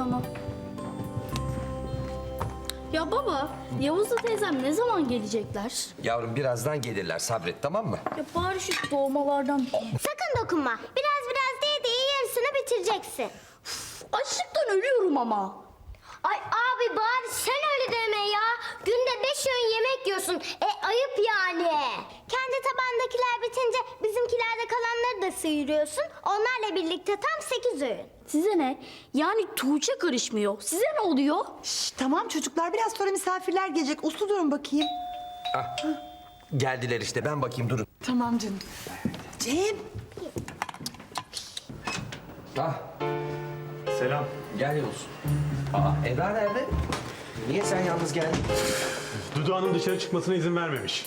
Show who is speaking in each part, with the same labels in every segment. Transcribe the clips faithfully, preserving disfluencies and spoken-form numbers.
Speaker 1: Tamam. Ya baba, Yavuz'la teyzem ne zaman gelecekler?
Speaker 2: Yavrum birazdan gelirler, sabret, tamam mı?
Speaker 1: Ya bari şu doğmalardan...
Speaker 3: Sakın dokunma. Biraz biraz diye diye yarısını bitireceksin.
Speaker 1: Açlıktan ölüyorum ama.
Speaker 3: Ay abi bari sen öyle deme ya. Günde beş öğün yemek yiyorsun. E ayıp yani. Kendi tabandakiler bitince bizimkilerde kalanları da sıyırıyorsun. Onlarla birlikte tam sekiz öğün.
Speaker 1: Size ne? Yani Tuğçe karışmıyor. Size ne oluyor?
Speaker 4: Şş, tamam çocuklar, biraz sonra misafirler gelecek. Uslu durun bakayım.
Speaker 2: Ah, geldiler işte, ben bakayım, durun.
Speaker 4: Tamam canım. Cem.
Speaker 2: Ah,
Speaker 5: Selam.
Speaker 2: gel Yavuz. Aa, Eda nerede? Niye sen yalnız geldin?
Speaker 5: Dudu Hanım dışarı çıkmasına izin vermemiş.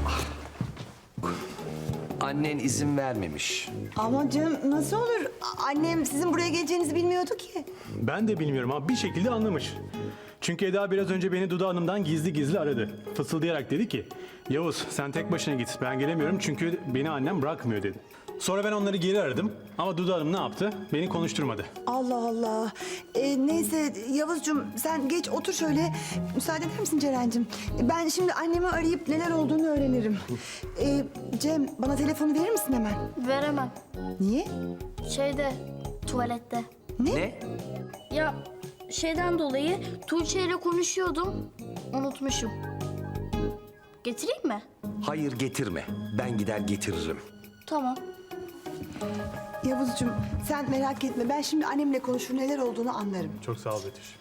Speaker 2: Annen izin vermemiş.
Speaker 4: Ama canım nasıl olur? A- Annem sizin buraya geleceğinizi bilmiyordu ki.
Speaker 5: Ben de bilmiyorum ama bir şekilde anlamış. Çünkü Eda biraz önce beni Dudu Hanım'dan gizli gizli aradı. Fısıldayarak dedi ki, Yavuz sen tek başına git, ben gelemiyorum çünkü beni annem bırakmıyor dedi. Sonra ben onları geri aradım ama Dudu Hanım ne yaptı? Beni konuşturmadı.
Speaker 4: Allah Allah. Ee, neyse Yavuzcuğum, sen geç otur şöyle. Müsaade eder misin Ceren'cim? Ben şimdi annemi arayıp neler olduğunu öğrenirim. Ee, Cem, bana telefonu verir misin hemen?
Speaker 1: Veremem.
Speaker 4: Niye?
Speaker 1: Şeyde, tuvalette.
Speaker 2: Ne?
Speaker 1: Ya şeyden dolayı Tuğçe ile konuşuyordum. Unutmuşum. Getireyim mi?
Speaker 2: Hayır, getirme. Ben gider getiririm.
Speaker 1: Tamam.
Speaker 4: Yavuzcuğum, sen merak etme. Ben şimdi annemle konuşur, neler olduğunu anlarım.
Speaker 5: Çok sağ ol Betüş.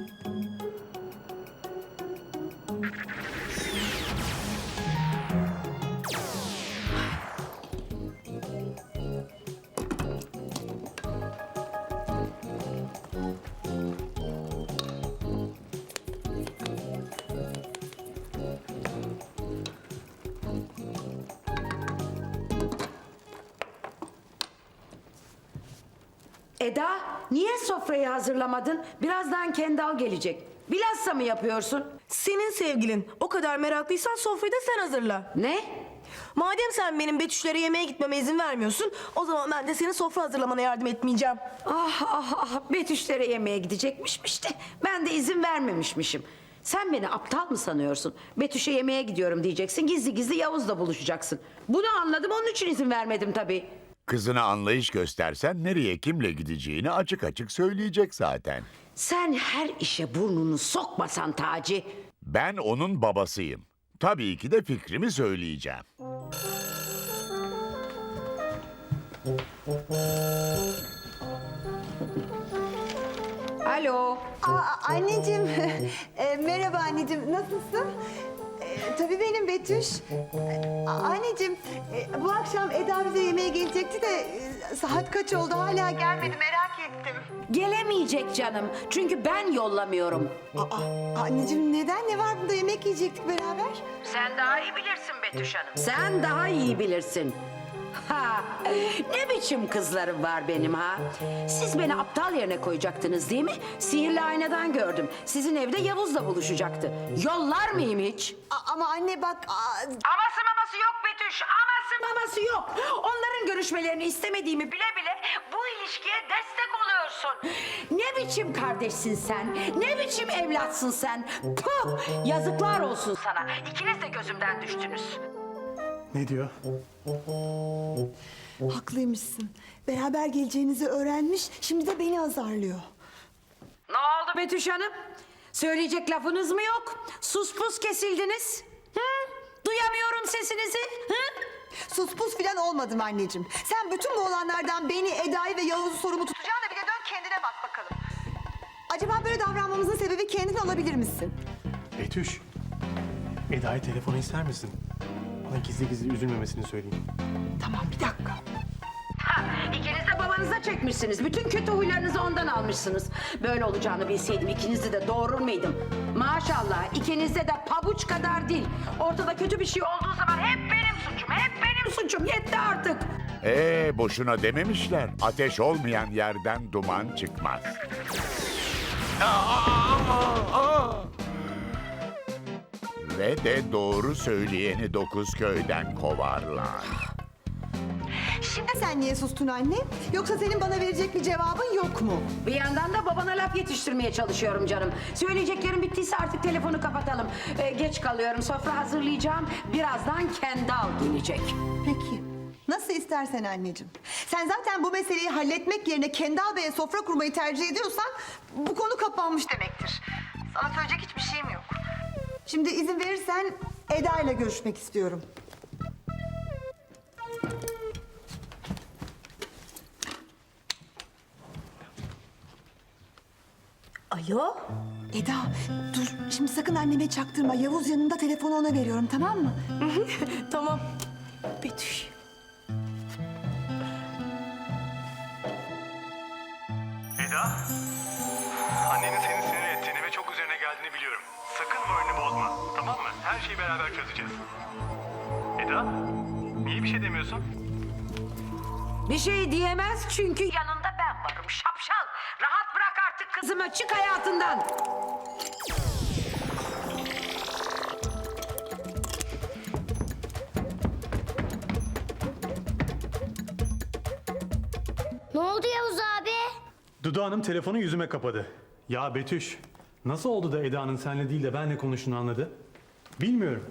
Speaker 6: Eda, niye sofrayı hazırlamadın? Birazdan Kendal gelecek. Bilhassa mı yapıyorsun?
Speaker 7: Senin sevgilin. O kadar meraklıysan sofrayı da sen hazırla.
Speaker 6: Ne?
Speaker 7: Madem sen benim Betüşlere yemeğe gitmeme izin vermiyorsun, o zaman ben de senin sofra hazırlamana yardım etmeyeceğim.
Speaker 6: Ah ah ah, Betüşlere yemeğe gidecekmişmiş de ben de izin vermemişmişim. Sen beni aptal mı sanıyorsun? Betüş'e yemeğe gidiyorum diyeceksin, gizli gizli Yavuz'la buluşacaksın. Bunu anladım, onun için izin vermedim tabii.
Speaker 8: Kızına anlayış göstersen nereye kimle gideceğini açık açık söyleyecek zaten.
Speaker 6: Sen her işe burnunu sokmasan Taci.
Speaker 8: Ben onun babasıyım. Tabii ki de fikrimi söyleyeceğim.
Speaker 6: Alo.
Speaker 4: Aa, anneciğim, e, merhaba anneciğim, nasılsın? E, tabii benim Betüş. E, a- anneciğim, e, bu akşam Eda bize yemeğe gelecekti de e, saat kaç oldu hala gelmedi, merak ettim.
Speaker 6: Gelemeyecek canım. Çünkü ben yollamıyorum.
Speaker 4: Aa, anneciğim neden, ne var bunda, yemek yiyecektik beraber?
Speaker 6: Sen daha iyi bilirsin Betüş Hanım. Sen daha iyi bilirsin. Ha, ne biçim kızlarım var benim ha? Siz beni aptal yerine koyacaktınız değil mi? Sihirli aynadan gördüm. Sizin evde Yavuz'la buluşacaktı. Yollar mıyım hiç?
Speaker 4: A- ama anne bak... aa,
Speaker 6: Aması maması yok Betüş. Aması maması yok. Onların görüşmelerini istemediğimi bile bile bu ilişkiye destek oluyorsun. Ne biçim kardeşsin sen? Ne biçim evlatsın sen? Puh! Yazıklar olsun sana. İkiniz de gözümden düştünüz.
Speaker 5: Ne diyor?
Speaker 4: haklıymışsın. Beraber geleceğinizi öğrenmiş, şimdi de beni azarlıyor.
Speaker 6: Ne oldu Betüş Hanım? Söyleyecek lafınız mı yok? Sus pus kesildiniz. Hı? Duyamıyorum sesinizi. Hı?
Speaker 4: Sus pus filan olmadım anneciğim. Sen bütün bu olanlardan beni, Eda'yı ve Yavuz'u sorumlu tutacağına bir de dön kendine bak bakalım. Acaba böyle davranmamızın sebebi kendin olabilir misin?
Speaker 5: Betüş, Eda'ya telefonu ister misin? Bana gizli gizli üzülmemesini söyleyeyim.
Speaker 4: Tamam, bir dakika.
Speaker 6: Ha, İkiniz de babanıza çekmişsiniz. Bütün kötü huylarınızı ondan almışsınız. Böyle olacağını bilseydim ikinizi de doğurur muydum? Maşallah ikinizde de pabuç kadar değil. Ortada kötü bir şey olduğu zaman hep benim suçum, hep benim suçum. Yetti artık.
Speaker 8: Ee, boşuna dememişler. Ateş olmayan yerden duman çıkmaz. Ve de doğru söyleyeni dokuz köyden kovarlar.
Speaker 6: Şimdi
Speaker 4: Sen niye sustun anne? Yoksa senin bana verecek bir cevabın yok mu?
Speaker 6: bir yandan da babana laf yetiştirmeye çalışıyorum canım. Söyleyeceklerim bittiyse artık telefonu kapatalım. Ee, geç kalıyorum, sofra hazırlayacağım. Birazdan Kendal gelecek.
Speaker 4: Peki. Nasıl istersen anneciğim. Sen zaten bu meseleyi halletmek yerine Kendal Bey'e sofra kurmayı tercih ediyorsan bu konu kapanmış demektir. Sana söyleyecek hiçbir şeyim yok. Şimdi izin verirsen Eda ile görüşmek istiyorum.
Speaker 7: Alo?
Speaker 4: Eda dur şimdi sakın anneme çaktırma. Yavuz yanında, telefonu ona veriyorum, tamam mı?
Speaker 7: Tamam. Betüş.
Speaker 5: Eda, annenin seni sinir ettiğini ve çok üzerine geldiğini biliyorum. Sakın moralini bozma, tamam mı? Her şeyi beraber çözeceğiz. Eda, niye bir şey demiyorsun?
Speaker 6: Bir şey diyemez çünkü yanında ben varım şapşal. Rahat bırak artık kızımı, çık hayatından.
Speaker 3: Ne oldu Yavuz abi?
Speaker 5: Dudu Hanım telefonu yüzüme kapadı. Ya Betüş, nasıl oldu da Eda'nın seninle değil de benle konuştuğunu anladı? Bilmiyorum.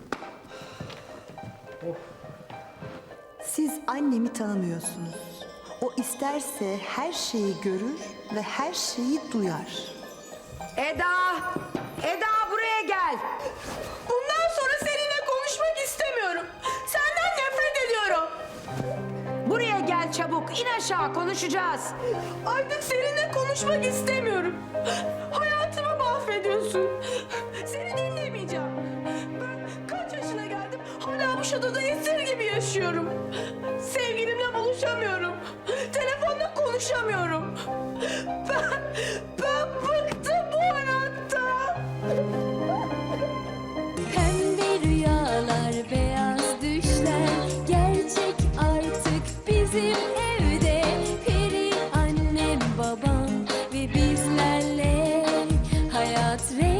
Speaker 4: Siz annemi tanımıyorsunuz. O isterse her şeyi görür ve her şeyi duyar.
Speaker 6: Eda! Eda buraya gel.
Speaker 7: Bundan sonra seninle konuşmak istemiyorum. Senden nefret ediyorum.
Speaker 6: Buraya gel çabuk. İn aşağı, konuşacağız.
Speaker 7: Artık seninle konuşmak istemiyorum. Hayatımı mahvediyorsun. Seni dinlemeyeceğim. Ben kaç yaşına geldim hala bu şatoda esir gibi yaşıyorum. Sevgilimle buluşamıyorum. Telefonla konuşamıyorum. Ben, ben bıktım bu hayattan.
Speaker 9: Pembe rüyalar, beyaz düşler gerçek artık bizim evde. Peri annem, babam ve bizlerle hayat rengi